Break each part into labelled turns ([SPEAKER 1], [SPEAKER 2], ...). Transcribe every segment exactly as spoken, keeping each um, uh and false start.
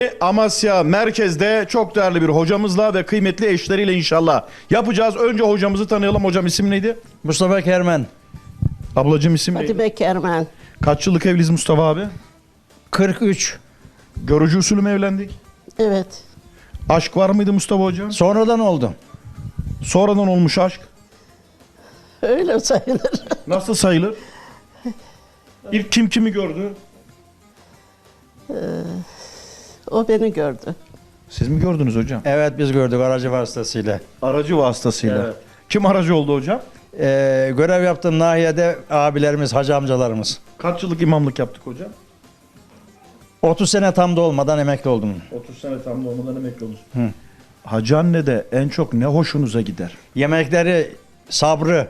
[SPEAKER 1] Amasya merkezde çok değerli bir hocamızla ve kıymetli eşleriyle inşallah yapacağız. Önce hocamızı tanıyalım. Hocam isim neydi?
[SPEAKER 2] Mustafa Kermen.
[SPEAKER 1] Ablacığım isim neydi?
[SPEAKER 3] Fatime Kermen.
[SPEAKER 1] Kaç yıllık evliyiz Mustafa abi?
[SPEAKER 2] kırk üç.
[SPEAKER 1] Görücü usulü mü evlendik?
[SPEAKER 3] Evet.
[SPEAKER 1] Aşk var mıydı Mustafa hocam?
[SPEAKER 2] Sonradan oldu.
[SPEAKER 1] Sonradan olmuş aşk.
[SPEAKER 3] Öyle sayılır.
[SPEAKER 1] Nasıl sayılır? İlk kim kimi gördü?
[SPEAKER 3] O beni gördü.
[SPEAKER 1] Siz mi gördünüz hocam?
[SPEAKER 2] Evet, biz gördük aracı vasıtasıyla.
[SPEAKER 1] Aracı vasıtasıyla.
[SPEAKER 2] Evet.
[SPEAKER 1] Kim aracı oldu hocam?
[SPEAKER 2] Ee, görev yaptığım nahiyede abilerimiz, hacı amcalarımız.
[SPEAKER 1] Kaç yıllık imamlık yaptık hocam?
[SPEAKER 2] otuz sene tam da olmadan emekli oldum.
[SPEAKER 1] otuz sene tam olmadan emekli olmuş.
[SPEAKER 2] Hı.
[SPEAKER 1] Hacı anne de en çok ne hoşunuza gider?
[SPEAKER 2] Yemekleri, sabrı.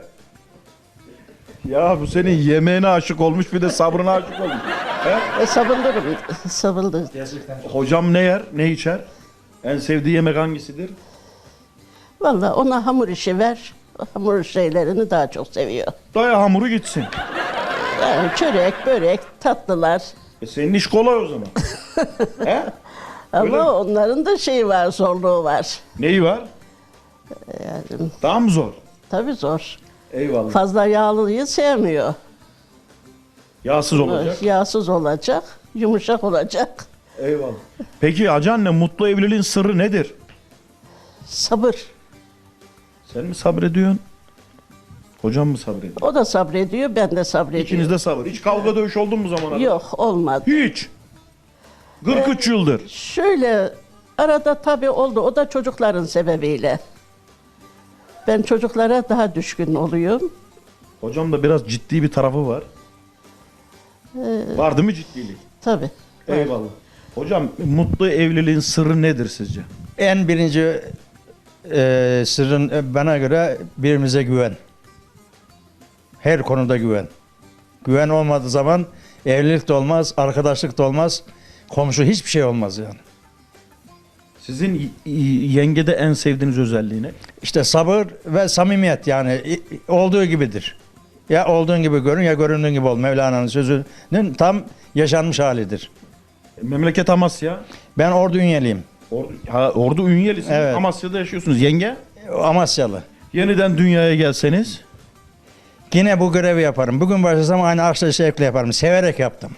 [SPEAKER 1] Ya bu senin yemeğine aşık olmuş bir de sabrına aşık olmuş.
[SPEAKER 3] E, sabırlıyım. Sabırlı.
[SPEAKER 1] Hocam ne yer, ne içer? En sevdiği yemek hangisidir?
[SPEAKER 3] Vallahi ona hamur işi ver. O hamur şeylerini daha çok seviyor.
[SPEAKER 1] Daya hamuru gitsin.
[SPEAKER 3] Yani çörek, börek, tatlılar.
[SPEAKER 1] E senin iş kolay o zaman. He?
[SPEAKER 3] Ama
[SPEAKER 1] Öyle mi?
[SPEAKER 3] onların da şeyi var, zorluğu var.
[SPEAKER 1] Neyi var?
[SPEAKER 3] Yani
[SPEAKER 1] Daha mı zor?
[SPEAKER 3] tabii zor.
[SPEAKER 1] Eyvallah.
[SPEAKER 3] Fazla yağlıyı sevmiyor.
[SPEAKER 1] Yağsız olacak.
[SPEAKER 3] Yağsız olacak, yumuşak olacak.
[SPEAKER 1] Eyvallah. Peki hacı anne mutlu evliliğin sırrı nedir?
[SPEAKER 3] Sabır.
[SPEAKER 1] Sen mi sabrediyorsun? Hocam mı sabrediyor?
[SPEAKER 3] O da sabrediyor, ben de sabrediyorum.
[SPEAKER 1] İkiniz de sabır. Hiç kavga dövüş oldu mu bu zamana kadar?
[SPEAKER 3] Yok, olmadı.
[SPEAKER 1] Hiç. kırk üç yıldır.
[SPEAKER 3] Şöyle arada tabii oldu. O da çocukların sebebiyle. Ben çocuklara daha düşkün oluyorum.
[SPEAKER 1] Hocam da biraz ciddi bir tarafı var. Var değil mi ciddilik?
[SPEAKER 3] Tabii.
[SPEAKER 1] Eyvallah. Hocam mutlu evliliğin sırrı nedir sizce?
[SPEAKER 2] En birinci e, sırrın e, bana göre birbirimize güven. Her konuda güven. Güven olmadığı zaman evlilik de olmaz, arkadaşlık da olmaz, komşu hiçbir şey olmaz yani.
[SPEAKER 1] Sizin y- y- yengede en sevdiğiniz özelliği ne?
[SPEAKER 2] İşte sabır ve samimiyet yani i- olduğu gibidir. Ya olduğun gibi görün ya göründüğün gibi ol. Mevlana'nın sözünün tam yaşanmış halidir.
[SPEAKER 1] Memleket Amasya.
[SPEAKER 2] Ben Ordu Ünyeliyim.
[SPEAKER 1] Ordu, ha, Ordu Ünyelisiniz.
[SPEAKER 2] Evet.
[SPEAKER 1] Amasya'da yaşıyorsunuz. Yenge?
[SPEAKER 2] Amasyalı.
[SPEAKER 1] Yeniden dünyaya gelseniz?
[SPEAKER 2] Yine bu görevi yaparım. Bugün başlasam aynı aşkla şevkle yaparım. Severek yaptım.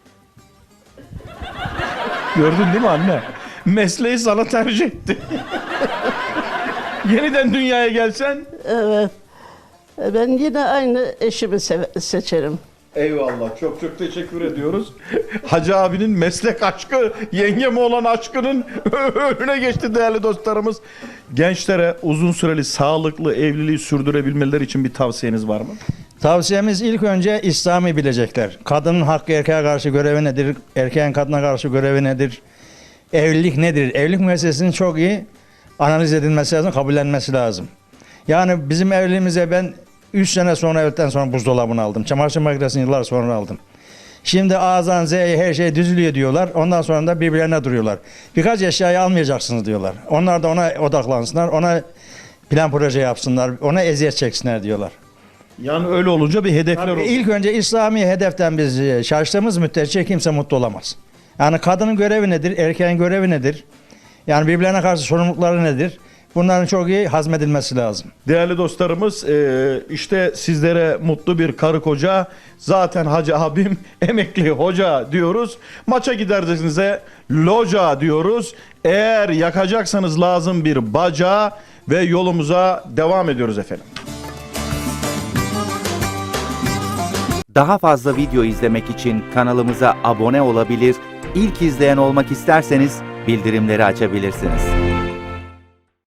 [SPEAKER 1] Gördün değil mi anne? Mesleği sana tercih etti. Yeniden dünyaya gelsen?
[SPEAKER 3] Evet. E, Ben yine aynı eşimi seve- seçerim.
[SPEAKER 1] Eyvallah. Çok çok teşekkür ediyoruz. Hacı abinin meslek aşkı, yengeme olan aşkının önüne geçti değerli dostlarımız. Gençlere uzun süreli sağlıklı evliliği sürdürebilmeleri için bir tavsiyeniz var mı?
[SPEAKER 2] Tavsiyemiz ilk önce İslam'ı bilecekler. Kadının hakkı erkeğe karşı görevi nedir? Erkeğin kadına karşı görevi nedir? Evlilik nedir? Evlilik meselesinin çok iyi analiz edilmesi lazım, kabullenmesi lazım. Yani bizim evliliğimize ben üç sene sonra evlilikten sonra buzdolabını aldım. Çamaşır makinesini yıllar sonra aldım. Şimdi A'dan Z'ye her şey düzülüyor diyorlar. Ondan sonra da birbirlerine duruyorlar. Birkaç eşyayı almayacaksınız diyorlar. Onlar da ona odaklansınlar. Ona plan proje yapsınlar. Ona eziyet çeksinler diyorlar.
[SPEAKER 1] Yani öyle olunca bir hedefler olur.
[SPEAKER 2] İlk önce İslami hedeften biz e, şaştığımız müddetçe kimse mutlu olamaz. Yani kadının görevi nedir? Erkeğin görevi nedir? Yani birbirlerine karşı sorumlulukları nedir? Bunların çok iyi hazmedilmesi lazım.
[SPEAKER 1] Değerli dostlarımız e, işte sizlere mutlu bir karı koca, zaten hacı abim emekli hoca diyoruz. Maça gidercesinize loca diyoruz. Eğer yakacaksanız lazım bir baca ve yolumuza devam ediyoruz efendim.
[SPEAKER 4] Daha fazla video izlemek için kanalımıza abone olabilir, ilk izleyen olmak isterseniz bildirimleri açabilirsiniz.